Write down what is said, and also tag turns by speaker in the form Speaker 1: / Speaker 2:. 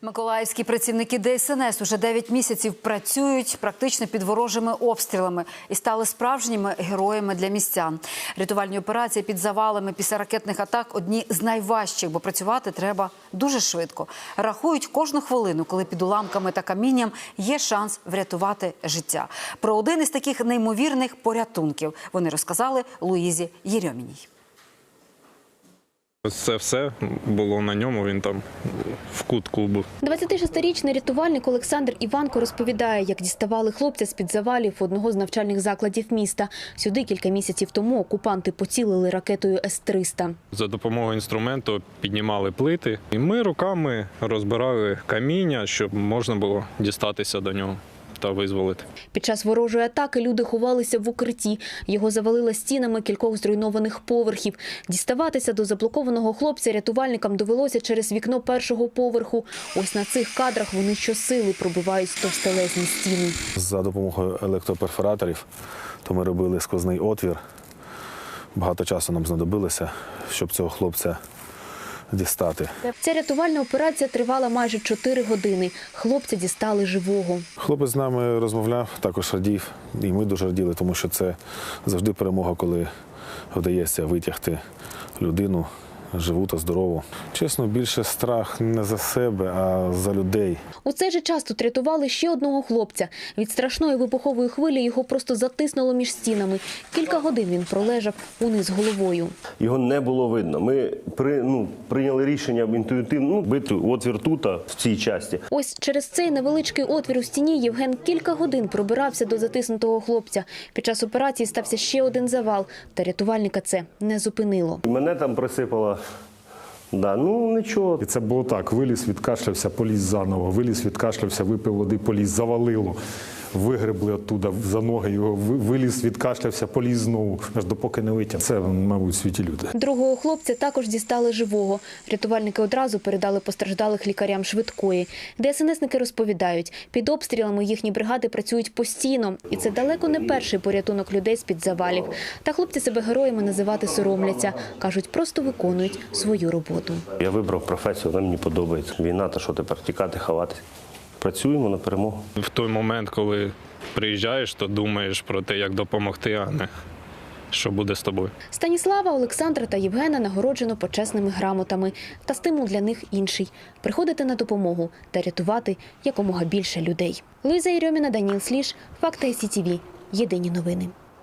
Speaker 1: Миколаївські працівники ДСНС уже 9 місяців працюють практично під ворожими обстрілами і стали справжніми героями для містян. Рятувальні операції під завалами після ракетних атак – одні з найважчих, бо працювати треба дуже швидко. Рахують кожну хвилину, коли під уламками та камінням є шанс врятувати життя. Про один із таких неймовірних порятунків вони розказали Луїзі Єрьоміній.
Speaker 2: Це все було на ньому, він там в кутку був.
Speaker 3: 26-річний рятувальник Олександр Іванко розповідає, як діставали хлопця з-під завалів одного з навчальних закладів міста. Сюди кілька місяців тому окупанти поцілили ракетою С-300.
Speaker 2: За допомогою інструменту піднімали плити, і ми руками розбирали каміння, щоб можна було дістатися до нього та визволити.
Speaker 3: Під час ворожої атаки люди ховалися в укритті. Його завалило стінами кількох зруйнованих поверхів. Діставатися до заблокованого хлопця рятувальникам довелося через вікно першого поверху. Ось на цих кадрах вони щосили пробивають товстелезні стіни.
Speaker 4: За допомогою електроперфораторів то ми робили сквозний отвір. Багато часу нам знадобилося, щоб цього хлопця дістати.
Speaker 3: Ця рятувальна операція тривала майже 4 години. Хлопця дістали живого.
Speaker 4: Хлопець з нами розмовляв, також радів. І ми дуже раділи, тому що це завжди перемога, коли вдається витягти людину живу та здорову. Чесно, більше страх не за себе, а за людей.
Speaker 3: У цей же час тут рятували ще одного хлопця. Від страшної вибухової хвилі його просто затиснуло між стінами. Кілька годин він пролежав униз головою.
Speaker 5: Його не було видно. Ми прийняли рішення інтуїтивно бити отвір тут, в цій часті.
Speaker 3: Ось через цей невеличкий отвір у стіні Євген кілька годин пробирався до затиснутого хлопця. Під час операції стався ще один завал, та рятувальника це не зупинило.
Speaker 5: Мене там присипало. Да, нічого.
Speaker 6: І це було так, виліз, відкашлявся, поліз заново, виліз, відкашлявся, випив води, поліз, завалило, вигребли оттуда за ноги його, виліз, відкашлявся, поліз знову, аж допоки не витяг. Це, мабуть, світі люди.
Speaker 3: Другого хлопця також дістали живого. Рятувальники одразу передали постраждалих лікарям швидкої. ДСНСники розповідають, під обстрілами їхні бригади працюють постійно. І це далеко не перший порятунок людей з-під завалів. Та хлопці себе героями називати соромляться. Кажуть, просто виконують свою роботу.
Speaker 5: Я вибрав професію, вона мені подобається. Війна, та що тепер, тікати, ховатися. Працюємо на перемогу.
Speaker 2: В той момент, коли приїжджаєш, то думаєш про те, як допомогти, а не що буде з тобою.
Speaker 3: Станіслава, Олександра та Євгена нагороджено почесними грамотами. Та стимул для них інший – приходити на допомогу та рятувати якомога більше людей. Луїза Єрьоміна, Даніл Сліж, Факти СІТВ. Єдині новини.